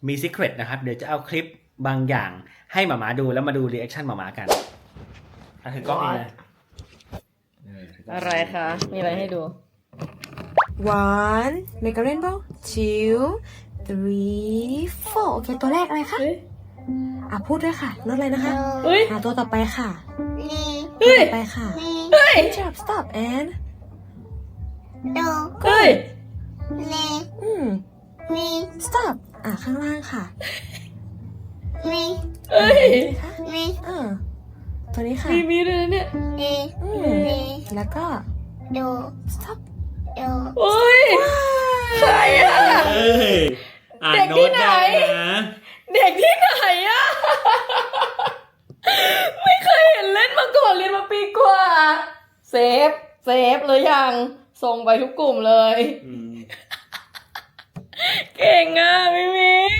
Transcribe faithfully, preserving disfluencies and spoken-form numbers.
มีซีเครตนะครับเดี๋ยวจะเอาคลิปบางอย่างให้หมามาดูแล้วมาดูรีแอคชั่นหมามากันอ่ะถือกล้องเองเลยอะไรคะ มีอะไรให้ดู one make a rainbow two three four โอเคตัวแรกอะไรคะอ่ะพูดด้วยค่ะรถอะไรนะคะเฮ้ยอ่ะตัวต่อไปค่ะเฮ้ยต่อไปค่ะเฮ้ย stop stop and เฮ้ยอืม stop อ่ะข้างล่างค่ะเฮ้ยคะเออตัวนี้ค่ะมีมีด้วยนะเนี่ยอืมแล้วก็ stop โอ้ย ใครอ่ะเอ้ยอ่านเด็กโน้ที่ตไหนได้นะเด็กที่ไหนอ่ะ ไม่เคยเห็นเล่นมาก่อนเรียนมาปีกว่า เซฟ เซฟเลยยังส่งไปทุกกลุ่มเลยอืมเก่งอ่ะมิมิ